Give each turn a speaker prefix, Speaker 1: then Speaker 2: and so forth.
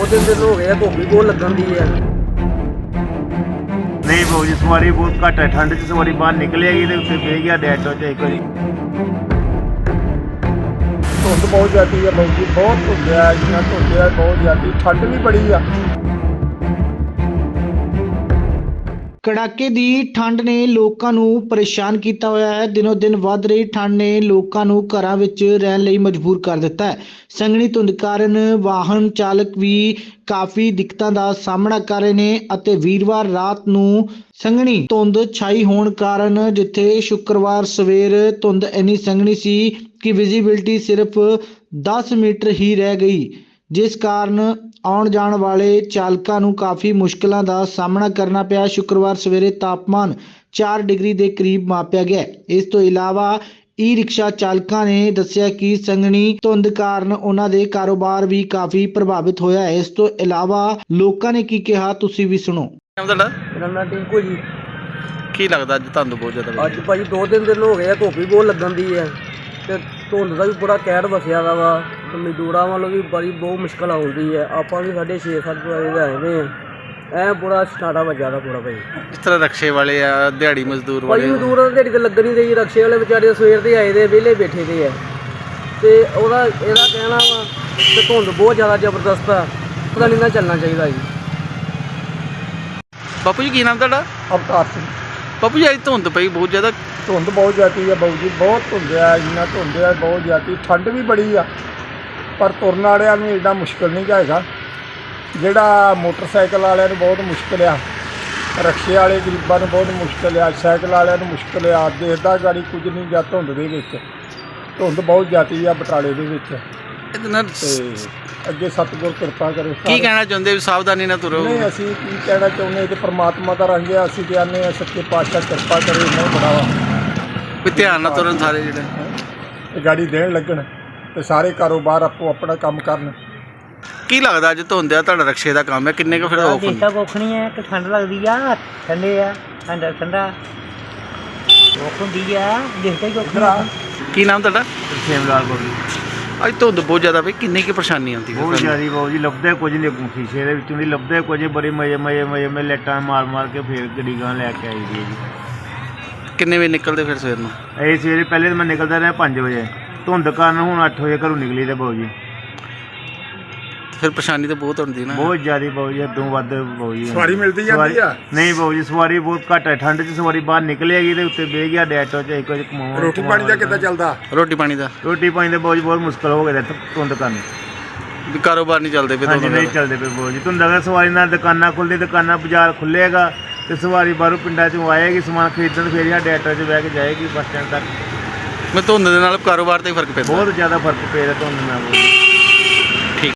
Speaker 1: दिन हो गए धुप भी बहुत लगन दी है।
Speaker 2: नहीं भाऊ जी सवारी बहुत घट है, ठंड च सवारी बाहर निकलेगी तो उत्ते बह गया डैटो च एक बारी।
Speaker 1: धुंध बहुत जाती है भाऊ जी, बहुत धुंध है, इतना धुंध है बहुत जाती, ठंड भी बड़ी है।
Speaker 3: ਕੜਾਕੇ ਦੀ ਠੰਡ ਨੇ ਲੋਕਾਂ ਨੂੰ ਪਰੇਸ਼ਾਨ ਕੀਤਾ ਹੋਇਆ ਹੈ। ਦਿਨੋ ਦਿਨ ਵੱਧ ਰਹੀ ਠੰਡ ਨੇ ਲੋਕਾਂ ਨੂੰ ਘਰਾਂ ਵਿੱਚ ਰਹਿਣ ਲਈ ਮਜਬੂਰ ਕਰ ਦਿੱਤਾ ਹੈ। ਸੰਘਣੀ ਧੁੰਦ ਕਾਰਨ ਵਾਹਨ ਚਾਲਕ ਵੀ ਕਾਫੀ ਦਿੱਕਤਾਂ ਦਾ ਸਾਹਮਣਾ ਕਰ ਰਹੇ ਨੇ ਅਤੇ ਵੀਰਵਾਰ ਰਾਤ ਨੂੰ ਸੰਘਣੀ ਧੁੰਦ ਛਾਈ ਹੋਣ ਕਾਰਨ ਜਿੱਥੇ ਸ਼ੁੱਕਰਵਾਰ ਸਵੇਰ ਧੁੰਦ ਇੰਨੀ ਸੰਘਣੀ ਸੀ ਕਿ ਵਿਜ਼ਿਬਿਲਟੀ ਸਿਰਫ 10 ਮੀਟਰ ਹੀ ਰਹਿ ਗਈ, ਜਿਸ ਕਾਰਨ ਆਉਣ ਜਾਣ ਵਾਲੇ ਚਾਲਕਾਂ ਨੂੰ ਕਾਫੀ ਮੁਸ਼ਕਲਾਂ ਦਾ ਸਾਹਮਣਾ ਕਰਨਾ ਪਿਆ। ਸ਼ੁੱਕਰਵਾਰ ਸਵੇਰੇ ਤਾਪਮਾਨ 4 ਡਿਗਰੀ ਦੇ ਕਰੀਬ ਮਾਪਿਆ ਗਿਆ। ਇਸ ਤੋਂ ਇਲਾਵਾ ਈ ਰਿਕਸ਼ਾ ਚਾਲਕਾਂ ਨੇ ਦੱਸਿਆ ਕਿ ਸੰਘਣੀ ਧੁੰਦ ਕਾਰਨ ਉਹਨਾਂ ਦੇ ਕਾਰੋਬਾਰ ਵੀ ਕਾਫੀ ਪ੍ਰਭਾਵਿਤ ਹੋਇਆ ਹੈ। ਇਸ ਤੋਂ ਇਲਾਵਾ ਲੋਕਾਂ ਨੇ ਕੀ ਕਿਹਾ ਤੁਸੀਂ ਵੀ ਸੁਣੋ।
Speaker 2: ਤੁਹਾਡਾ
Speaker 1: मेरा नाम टिंकू जी।
Speaker 2: ਕੀ ਲੱਗਦਾ ਅੱਜ ਤੁਹਾਨੂੰ ਬਹੁਤ ਜ਼ਿਆਦਾ
Speaker 1: ਅੱਜ ਭਾਜੀ 2-3 ਦਿਨ ਹੋ ਗਏ ਧੁੱਪ ਵੀ ਬਹੁਤ ਲੱਗਣ ਦੀ ਹੈ ਤੇ ਧੁੰਦ ਦਾ ਵੀ ਬੜਾ ਕਹਿਰ ਵਸਿਆ ਦਾ ਵਾ ਤੇ ਮਜ਼ਦੂਰਾਂ ਵੱਲੋਂ ਵੀ ਬੜੀ ਬਹੁਤ ਮੁਸ਼ਕਲ ਆਉਂਦੀ ਹੈ। ਆਪਾਂ ਵੀ 6:30-7 ਵਜੇ ਦੇ ਆਏ ਨੇ ਐ ਬੜਾ ਸਟਾਰਟਾ ਵੱਜਿਆ ਦਾ ਪੂਰਾ ਭਾਜੀ।
Speaker 2: ਇਸ ਤਰ੍ਹਾਂ ਰਕਸ਼ੇ ਵਾਲੇ ਆ, ਦਿਹਾੜੀ ਮਜ਼ਦੂਰ
Speaker 1: ਭਾਜੀ
Speaker 2: ਵਾਲੇ
Speaker 1: ਮਜ਼ਦੂਰਾਂ ਦੀ ਦਿਹਾੜੀ ਤੇ ਲੱਗਣ ਨਹੀਂ ਰਹੀ, ਰਕਸ਼ੇ ਵਾਲੇ ਵਿਚਾਰੇ ਸਵੇਰ ਦੇ ਆਏ ਦੇ ਵਿਹਲੇ ਬੈਠੇ ਦੇ ਆ ਤੇ ਇਹਦਾ ਕਹਿਣਾ ਵਾ ਕਿ ਧੁੰਦ ਬਹੁਤ ਜ਼ਿਆਦਾ ਜ਼ਬਰਦਸਤ ਆ, ਪਤਾ ਨਹੀਂ ਨਾ ਚੱਲਣਾ ਚਾਹੀਦਾ ਜੀ।
Speaker 2: ਬਾਪੂ ਜੀ ਕੀ ਨਾਮ ਤੁਹਾਡਾ?
Speaker 1: ਅਵਤਾਰ ਸਿੰਘ।
Speaker 2: ਬਾਪੂ ਜੀ ਅੱਜ ਧੁੰਦ ਪਈ ਬਹੁਤ ਜ਼ਿਆਦਾ,
Speaker 1: ਧੁੰਦ ਬਹੁਤ ਜਾਤੀ ਹੈ ਬਾਊ ਜੀ, ਬਹੁਤ ਧੁੰਦ ਹੈ, ਇੰਨਾ ਧੁੰਦ ਹੈ ਬਹੁਤ ਜਾਤੀ, ਠੰਡ ਵੀ ਬੜੀ ਆ ਪਰ ਤੁਰਨ ਵਾਲਿਆਂ ਨੂੰ ਐਡਾ ਮੁਸ਼ਕਿਲ ਨਹੀਂ ਹੈਗਾ। ਜਿਹੜਾ ਮੋਟਰਸਾਈਕਲ ਵਾਲਿਆਂ ਨੂੰ ਬਹੁਤ ਮੁਸ਼ਕਿਲ ਆ, ਰਕਸ਼ੇ ਵਾਲੇ ਗਰੀਬਾਂ ਨੂੰ ਬਹੁਤ ਮੁਸ਼ਕਿਲ ਆ, ਸਾਈਕਲ ਵਾਲਿਆਂ ਨੂੰ ਮੁਸ਼ਕਿਲ ਆ, ਦੇਖਦਾ ਗਾੜੀ ਕੁਝ ਨਹੀਂ ਜਾਂ ਧੁੰਦ ਦੇ ਵਿੱਚ। ਧੁੰਦ ਬਹੁਤ ਜਾਤੀ ਆ ਬਟਾਲੇ ਦੇ ਵਿੱਚ
Speaker 2: ਇਹਦੇ ਨਾਲ
Speaker 1: ਤੇ ਅੱਗੇ ਸਤਿਗੁਰ ਕਿਰਪਾ ਕਰੇ।
Speaker 2: ਕੀ ਕਹਿਣਾ ਚਾਹੁੰਦੇ ਵੀ ਸਾਵਧਾਨੀ ਨਾਲ ਤੁਰੋ?
Speaker 1: ਨਹੀਂ ਅਸੀਂ ਕੀ ਕਹਿਣਾ ਚਾਹੁੰਦੇ ਕਿ ਪ੍ਰਮਾਤਮਾ ਦਾ ਰੰਗ ਆ, ਅਸੀਂ ਕਹਿੰਦੇ ਹਾਂ ਸੱਚੇ ਪਾਤਸ਼ਾਹ ਕਿਰਪਾ ਕਰੇ ਇਹਨਾਂ ਬੜਾਵਾ
Speaker 2: ਵੀ ਧਿਆਨ ਨਾਲ ਤੁਰਨ ਸਾਰੇ ਜਿਹੜੇ
Speaker 1: ਇਹ ਗਾੜੀ ਦੇਣ ਲੱਗਣ ਤੇ ਸਾਰੇ ਕਾਰੋਬਾਰ ਆਪੋ ਆਪਣਾ ਕੰਮ ਕਰਨ।
Speaker 2: ਕੀ ਲੱਗਦਾ ਅੱਜ ਧੁੰਦ ਆ, ਤੁਹਾਡਾ ਰਕਸ਼ੇ ਦਾ ਕੰਮ ਹੈ, ਕਿੰਨੇ ਕੁ ਫਿਰ ਔਖ
Speaker 4: ਦੇਖਦਾ ਕੁੱਖ ਨਹੀਂ ਹੈ ਕਿ ਠੰਡ ਲੱਗਦੀ ਆ, ਠੰਡੇ ਆ ਠੰਡਾ ਔਖ ਹੁੰਦੀ ਆ, ਦੇਖਦਾ ਹੀ ਕੁੱਖ ਨਹੀਂ।
Speaker 2: ਕੀ ਨਾਮ ਤੁਹਾਡਾ?
Speaker 1: ਸੇਮ ਲਾਲ ਬੋਲੀ
Speaker 2: ਅੱਜ ਧੁੰਦ ਬਹੁਤ ਜ਼ਿਆਦਾ ਪਈ, ਕਿੰਨੀ ਕੀ ਪਰੇਸ਼ਾਨੀ ਆਉਂਦੀ
Speaker 1: ਬਹੁਤ ਜ਼ਿਆਦਾ ਬਾਬੂ ਜੀ, ਲੱਭਦੇ ਕੁਝ ਨਹੀਂ ਸ਼ੀਸ਼ੇ ਦੇ ਵਿੱਚੋਂ ਦੀ ਲੱਭਦੇ ਕੁਝ, ਬੜੀ ਮਜ਼ੇ ਲੈਟਾਂ ਮਾਰ ਕੇ ਫੇਰ ਗੱਡੀ ਗਾਂ ਲੈ ਕੇ ਆਈ ਦੀ ਹੈ ਜੀ।
Speaker 2: ਕਿੰਨੇ ਵਜੇ ਨਿਕਲਦੇ ਫਿਰ ਸਵੇਰ ਨੂੰ?
Speaker 1: ਇਹ ਸਵੇਰੇ ਪਹਿਲੇ ਤਾਂ ਮੈਂ ਨਿਕਲਦਾ ਰਿਹਾ 5 ਵਜੇ, ਧੁੰਦ ਕਾਰਨ ਹੁਣ 8 ਵਜੇ ਘਰੋਂ ਨਿਕਲੀ ਤੇ ਬਾਬੂ ਜੀ
Speaker 2: ਫਿਰ ਪਰੇਸ਼ਾਨੀ ਤਾਂ ਬਹੁਤ ਹੁੰਦੀ ਨਾ।
Speaker 1: ਬਹੁਤ ਜ਼ਿਆਦਾ ਬਾਬੂ ਜੀ, ਹੱਦੋਂ ਵੱਧ ਬਾਬੂ ਜੀ।
Speaker 5: ਸਵਾਰੀ ਮਿਲਦੀ ਜਾਂਦੀ ਆ?
Speaker 1: ਨਹੀਂ ਬਾਬੂ ਜੀ ਸਵਾਰੀ ਬਹੁਤ ਘੱਟ ਹੈ, ਠੰਡ 'ਚ ਸਵਾਰੀ ਬਾਹਰ ਨਿਕਲੇਗੀ ਤੇ ਉੱਤੇ ਬਹਿ ਗਿਆ ਡੈਟੋ 'ਚ ਇੱਕ ਵਜੇ ਕਮਾਉਣਾ।
Speaker 5: ਰੋਟੀ ਪਾਣੀ ਦਾ ਕਿੱਦਾਂ ਚੱਲਦਾ?
Speaker 2: ਰੋਟੀ ਪਾਣੀ ਦਾ
Speaker 1: ਰੋਟੀ ਪਾਣੀ ਦਾ ਬਾਬੂ ਜੀ ਬਹੁਤ ਮੁਸ਼ਕਲ ਹੋ ਗਿਆ ਧੁੰਦ ਕਾਰਨ।
Speaker 2: ਵੀ ਕਾਰੋਬਾਰ ਨਹੀਂ ਚੱਲਦੇ ਪਏ
Speaker 1: ਹਾਂਜੀ ਨਹੀਂ ਚੱਲਦੇ ਪਏ ਬਾਬੂ ਜੀ, ਧੁੰਦ ਅਗਰ ਸਵਾਰੀ ਨਾਲ ਦੁਕਾਨਾਂ ਖੁੱਲ੍ਹਦੀ, ਦੁਕਾਨਾਂ ਬਾਜ਼ਾਰ ਖੁੱਲ੍ਹੇਗਾ ਤੇ ਸਵਾਰੀ ਬਾਹਰੋਂ ਪਿੰਡਾਂ 'ਚੋਂ ਆਏਗੀ ਸਮਾਨ ਖਰੀਦਣ, ਫਿਰ ਇਹ ਡੈਟੋ 'ਚ ਬਹਿ ਕੇ ਜਾਏਗੀ ਬੱਸ ਸਟੈਂਡ ਤੱਕ।
Speaker 2: ਮੈਂ ਧੁੰਦ ਦੇ ਨਾਲ ਕਾਰੋਬਾਰ ਤੇ ਹੀ ਫਰਕ ਪੈਂਦਾ।
Speaker 1: ਬਹੁਤ ਜ਼ਿਆਦਾ ਫਰਕ ਪੈ ਰਿਹਾ ਧੁੰਦ ਨਾਲ।